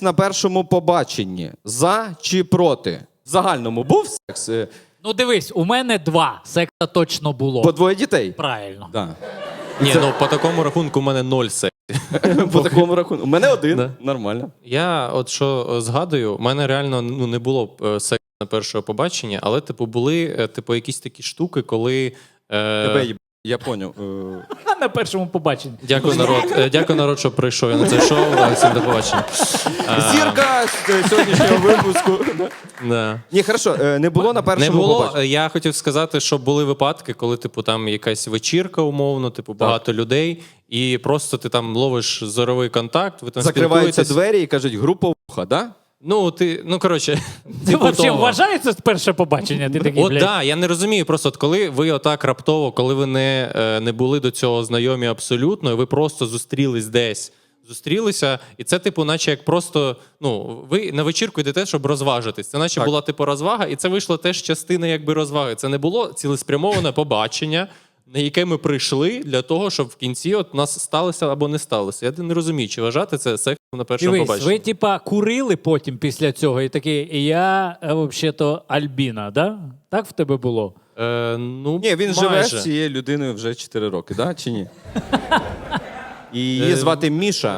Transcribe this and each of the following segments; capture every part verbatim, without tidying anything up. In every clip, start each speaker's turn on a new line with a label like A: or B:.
A: Секс на першому побаченні. За чи проти? В загальному був секс? Е,
B: Ну дивись, у мене два секса точно було.
A: По двоє дітей?
B: Правильно.
A: Да.
C: Ні, ну по такому рахунку в мене ноль сексів.
A: По такому рахунку. У мене один.
C: Да.
A: Нормально.
C: Я от що е, згадую, в мене реально ну, не було е, сексу на першого побачення, але типу були е, типу якісь такі штуки, коли. Е...
A: Тебе їб... Я поняв. Е,
B: А на першому побаченні.
C: Дякую, народ. Е, Дякую, народ, що прийшов я на це шоу. Всім до побачення.
A: Зірка з сьогоднішнього випуску.
C: Да.
A: Ні, хорошо, е, не було на
C: Не
A: першому
C: було.
A: побаченні.
C: Я хотів сказати, що були випадки, коли типу там якась вечірка, умовно, типу багато людей, і просто ти там ловиш зоровий контакт, ви там
A: Закриваються
C: спілкуєтесь.
A: двері і кажуть, група вуха, да?
C: Ну, ти, ну коротше,
B: Це
C: типу
B: взагалі
C: того.
B: вважається перше побачення? Ти такий,
C: От
B: блядь.
C: да, я не розумію. Просто от коли ви отак раптово, коли ви не, е, не були до цього знайомі абсолютно, і ви просто зустрілись десь. Зустрілися, і це, типу, наче як просто, ну, ви на вечірку йдете, щоб розважитись. Це наче
A: Так.
C: була, типу, розвага, і це вийшло теж частина, якби, розваги. Це не було цілеспрямоване побачення, на яке ми прийшли для того, щоб в кінці от нас сталося або не сталося. Я не розумію, чи вважати це сексом на першому
B: Дивись,
C: побаченні.
B: ви типа курили потім після цього і такі, я е, взагалі-то Альбіна, да? Так в тебе було?
C: Е, ну,
A: Ні, він живе
C: майже.
A: з цією людиною вже чотири роки, да? Чи ні? І її звати Міша.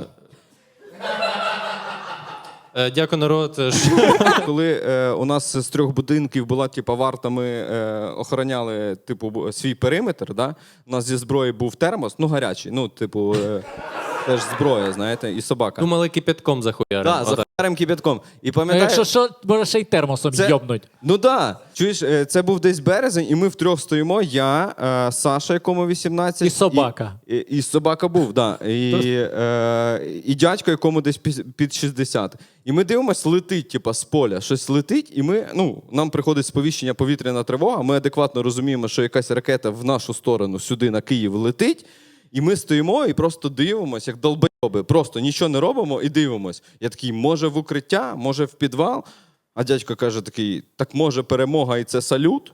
C: Е, дякую, народ. е, що-
A: Коли е, у нас з трьох будинків була типу, варта, ми е, охороняли типу, бу- свій периметр. Да? У нас зі зброї був термос, ну гарячий, ну, типу, е, теж зброя, знаєте, і собака.
C: Думали, кипятком захуярим.
A: Да,
C: Отак.
A: за харем кипятком. І
B: Ну,
A: пам'ятаю,
B: якщо що, може ще й термосом
A: Це-
B: йобнуть.
A: Ну да. Чуєш, е, це був десь березень, і ми втрьох стоїмо. Я, е, Саша, якому вісімнадцять.
B: І собака.
A: І, і, і собака був, да. І, е, і дядько, якому десь пі- під шістдесят. І ми дивимося, летить, типа, з поля. Щось летить, і ми, ну, нам приходить сповіщення повітряна тривога. Ми адекватно розуміємо, що якась ракета в нашу сторону сюди на Київ летить. І ми стоїмо і просто дивимося, як долбойоби. Просто нічого не робимо і дивимось. Я такий, може в укриття, може в підвал. А дядько каже такий, так може перемога і це салют?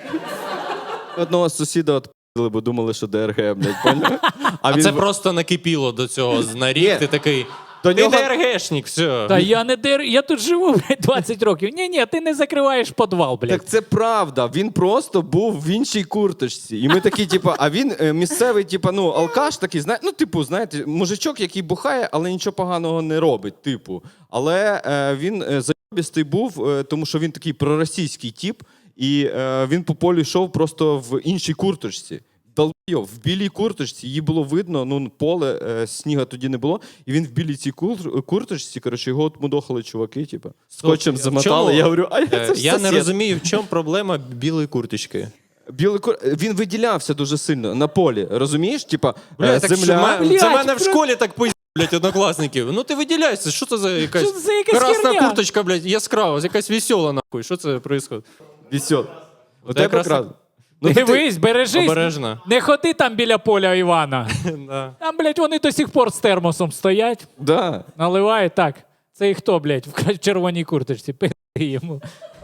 A: Одного сусіда відпили, бо думали, що ДРГ, блядь, поняв?
C: А
A: він
C: це
A: в-
C: просто накипіло до цього на рік.
A: Ні.
C: Ти такий,
A: До
C: ти
A: нього-
C: ДРГшник, все.
B: Та я не дер... я тут живу, блядь, двадцять років. Ні-ні, ти не закриваєш підвал, блядь.
A: Так це правда. Він просто був в іншій курточці. І ми такі, типу, а він е, місцевий, типу, ну, алкаш такий, зна... ну, типу, знаєте, мужичок, який бухає, але нічого поганого не робить, типу. Але е, він е, зайобістий був, е, тому що він такий проросійський тип, і е, він по полю йшов просто в іншій курточці. Долбойов, в білій курточці, її було видно, ну, поле, е, сніга тоді не було, і він в білій цій кур- курточці, коротше, його отмудохали чуваки, типу, скотчем
C: в
A: замотали.
C: чому-
A: Я говорю, а
C: Е,
A: це ж
C: Я не
A: сосед.
C: розумію, в чому проблема білої курточки.
A: Білий кур... Він виділявся дуже сильно на полі, розумієш? Типа,
C: Бля,
A: е,
C: так
A: земля.
C: що ме-
B: Блядь,
C: це мене в
B: про-
C: школі так пиздять, блядь, однокласників. Ну ти виділяйся, що це за якась,
B: Що це за якась
C: красна
B: херня?
C: курточка, блядь, яскрава, якась весела, нахуй. Що це відбувається?
A: Вісьо. У
C: Це
A: тебе
C: якраз
A: якраз.
C: так.
A: Ну, ти-
B: Дивись, бережись.
C: Обережно.
B: Не ходи там біля поля Івана.
C: Да.
B: Там, блядь, вони до сих пор з термосом стоять,
A: Да.
B: наливають так. Це і хто, блядь, в червоній курточці? Пи йому.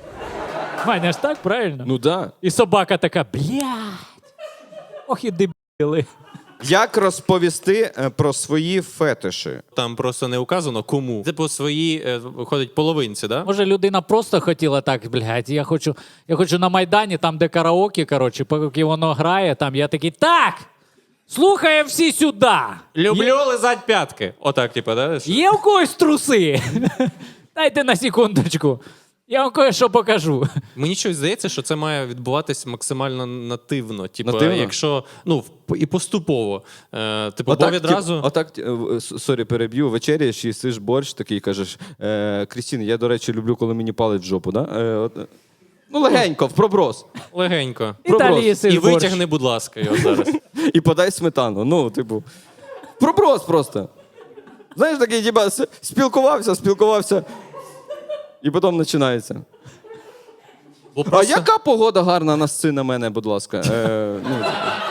B: Маня ж так, правильно?
A: Ну да.
B: І собака така, блядь. Ох і дебіли.
A: Як розповісти е, про свої фетиші?
C: Там просто не указано кому. Це по своїй, е, виходить, половинці, да?
B: Може, людина просто хотіла так, блядь, я хочу, я хочу на Майдані, там, де караоке, коротше, поки воно грає, там я такий, так, слухаємо всі сюди.
C: Люблю
B: Є,
C: лизать п'ятки. Отак, типу, да?
B: є у когось труси? Дайте на секундочку. Я вам кое-що покажу.
C: Мені щось здається, що це має відбуватись максимально нативно. Типу,
A: Нативно?
C: якщо, ну, в- і поступово. Е, типу, бо
A: Отак,
C: відразу...
A: тип- отак, е, в- с- сорі, переб'ю, вечеряєш, їсиш борщ такий, кажеш, е, Крістін, я, до речі, люблю, коли мені палить в жопу, да? Е, от, е, ну, легенько, в проброс.
C: Легенько.
B: І далі
A: Проброс.
B: їсиш
C: І
B: борщ.
C: витягни, будь ласка, його зараз.
A: І подай сметану. Ну, типу, проброс просто. Знаєш, такий, типа, с- спілкувався, спілкувався, і потім починається.
C: Бо
A: А
C: просто...
A: яка погода гарна на сцені на мене, будь ласка? Е, ну,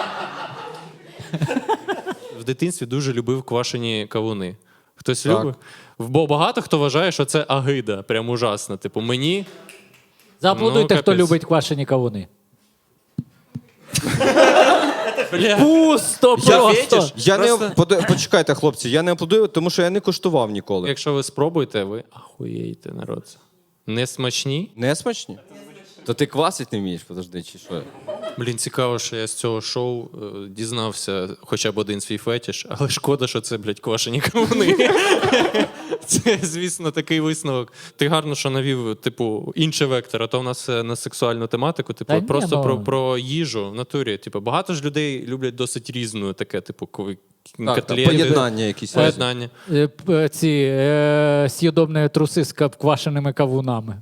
C: В дитинстві дуже любив квашені кавуни. Хтось
A: Так.
C: любить? Бо багато хто вважає, що це агида, прям ужасно. Типу, мені...
B: Зааплодуйте,
C: Ну,
B: хто
C: капець.
B: любить квашені кавуни. Пусто
A: Я,
B: просто.
A: я не
C: Просто-
A: пода- почекайте, хлопці, я не аплодую, тому що я не куштував ніколи.
C: Якщо ви спробуєте, ви ахуєєте, народ. Не смачні?
A: Не смачні? То ти квасить не вмієш, подожди, чи що?
C: Блін, цікаво, що я з цього шоу е, дізнався хоча б один свій фетіш, але шкода, що це, блядь, квашені кавуни. Це, звісно, такий висновок. Ти гарно, що навів, типу, інший вектор, а то в нас все на сексуальну тематику, типу,
B: Та ні,
C: просто
B: ну.
C: про, про їжу в натурі. Типу, багато ж людей люблять досить різну таке, типу, ко-
A: Так,
C: котлети.
A: поєднання якісь.
C: Поєднання.
B: Е, п- Ці е, с'їдобні труси з кап- квашеними кавунами.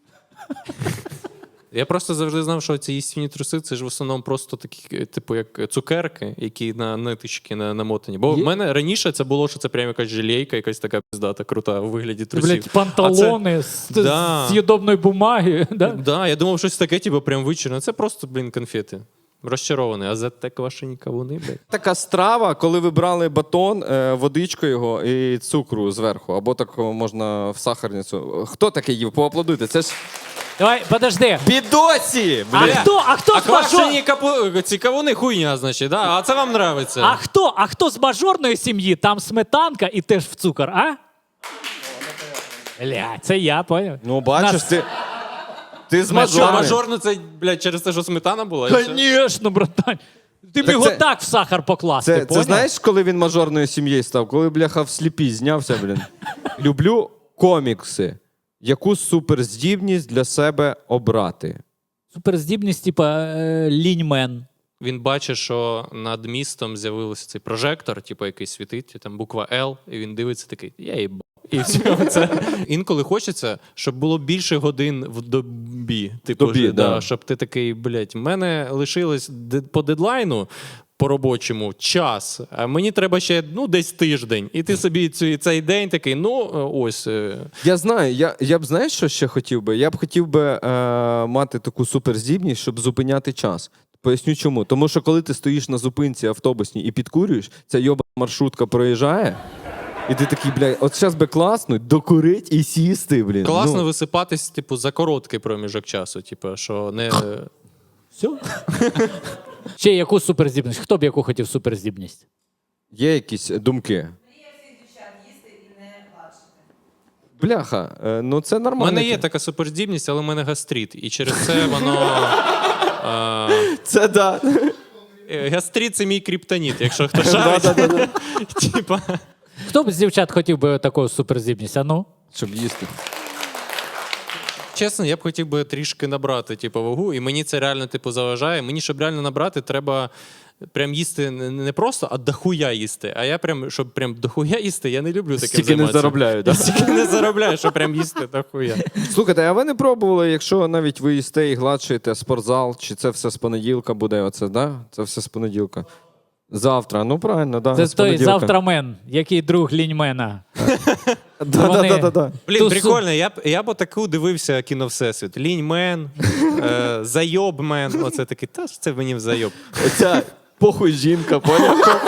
C: Я просто завжди знав, що ці їстівні труси це ж в основному просто такі, типу, як цукерки, які на ниточки на, намотані. Бо
B: Є-
C: в мене раніше це було, що це прям якась желейка, якась така пиздата, крута у вигляді
B: Це,
C: трусів.
B: блядь, панталони з,
C: Да.
B: з з'їдобної бумаги.
C: А
B: Да?
C: це, да, я думав, щось таке, типу, прям вичерно. Це просто, блін, конфети. Розчарований. А за те квашені кавуни, блядь.
A: Така страва, коли ви брали батон, е, водичку його і цукру зверху, або так можна в сахарницю. Хто таке їв? Поаплодуйте. Це ж
B: Давай, подожди.
A: бідосі!
B: А
A: Бля.
B: хто, а хто
C: А
B: з мажор...
C: квашені капу... ці кавуни хуйня, значить, да? А це вам нравиться.
B: А хто, а хто з мажорної сім'ї? Там сметанка і теж в цукор, а? Бля, це я, поняв?
A: Ну, бачиш,
B: Нас-
A: ти, ти з
C: Що,
A: мажорами.
C: мажорно це, блядь, через те, що сметана була? і все?
B: Конечно, братан. Ти б
A: Так
B: його
A: це-
B: так в сахар покласти,
A: Це, це
B: поняв?
A: знаєш, коли він мажорною сім'єю став? Коли, бляха, в сліпі знявся, блін. Люблю комікси. Яку суперздібність для себе обрати?
B: Суперздібність, типа е, ліньмен.
C: Він бачить, що над містом з'явився цей прожектор, типу, який світить, і там буква L, і він дивиться такий, я їбав. І все це. Інколи хочеться, щоб було більше годин в добі. Типу,
A: Добі,
C: ж,
A: да.
C: щоб ти такий, блядь, в мене лишилось де- по дедлайну по робочому час, а мені треба ще ну, десь тиждень. І ти собі цю, цей день такий, ну ось. е,
A: Я знаю, я, я б знаєш, що ще хотів би? Я б хотів би е, мати таку суперздібність, щоб зупиняти час. Поясню чому. Тому що коли ти стоїш на зупинці автобусній і підкурюєш, ця йоба маршрутка проїжджає, і ти такий, блядь, от зараз би класно докурить і сісти, блін.
C: Класно
A: Ну,
C: висипатись, типу, за короткий проміжок часу. Типу, що не.
B: Все? Ще яку суперздібність? Хто б яку хотів суперздібність?
A: є якісь думки.
D: Мрія всіх дівчат їсти і не гладшити.
A: Бляха, е, ну це
C: У
A: нормально.
C: мене є така суперздібність, але в мене гастрит. І через це воно. е,
A: Це да.
C: Е, Гастрит це мій криптоніт, якщо хто шарить. Типа.
B: Хто б з дівчат хотів би таку суперздібність? А ну?
A: Щоб їсти.
C: Чесно, я б хотів би трішки набрати типу, вагу, і мені це реально типу, заважає. Мені, щоб реально набрати, треба прям їсти не не просто, а дохуя їсти. А я прям, щоб прям дохуя їсти, я не люблю таким
A: Стільки не
C: займатися.
A: заробляю, да?
C: Я стільки не заробляю, щоб прям їсти дохуя.
A: Слухайте, а ви не пробували, якщо навіть ви їсте і гладшуєте спортзал, чи це все з понеділка буде? Оце, да? Це все з понеділка. Завтра, ну правильно, да.
B: Це
A: з
B: той
A: понеділка.
B: завтрамен, який друг ліньмена.
A: Да,
B: Вони-
A: да, да, да, да.
C: Блін,
B: Ту су-
C: прикольно, я б я б таку дивився кіно Всесвіт. Ліньмен, е, зайобмен. Оце такий, та ж це мені в зайоб.
A: Оця похуй жінка, поняв?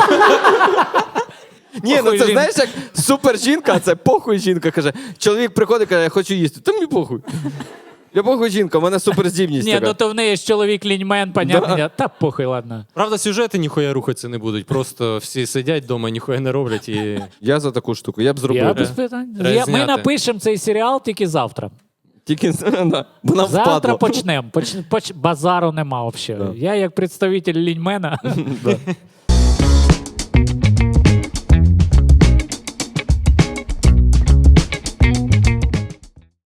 A: Ні, ну
B: Похуй
A: це
B: жінка.
A: знаєш, як супер жінка, а це похуй жінка каже. Чоловік приходить, каже, я хочу їсти. Та мені похуй. Я похуй жінка, у мене суперздібність
B: Ні,
A: така.
B: ну то в неї ж чоловік ліньмен, понятно.
A: Да.
B: Та похуй, ладно.
C: Правда, сюжети ніхуя рухатися не будуть. Просто всі сидять вдома, ніхуя не роблять і.
A: Я за таку штуку, я б зробив.
B: Я
A: би.
B: без питань.
C: Треба
B: Я, ми
C: зняти.
B: напишемо цей серіал тільки завтра.
A: Тільки да, бо нам
B: Завтра
A: впадло.
B: почнемо. Поч, поч, базару нема взагалі.
A: Да.
B: Я як представитель ліньмена.
A: Да.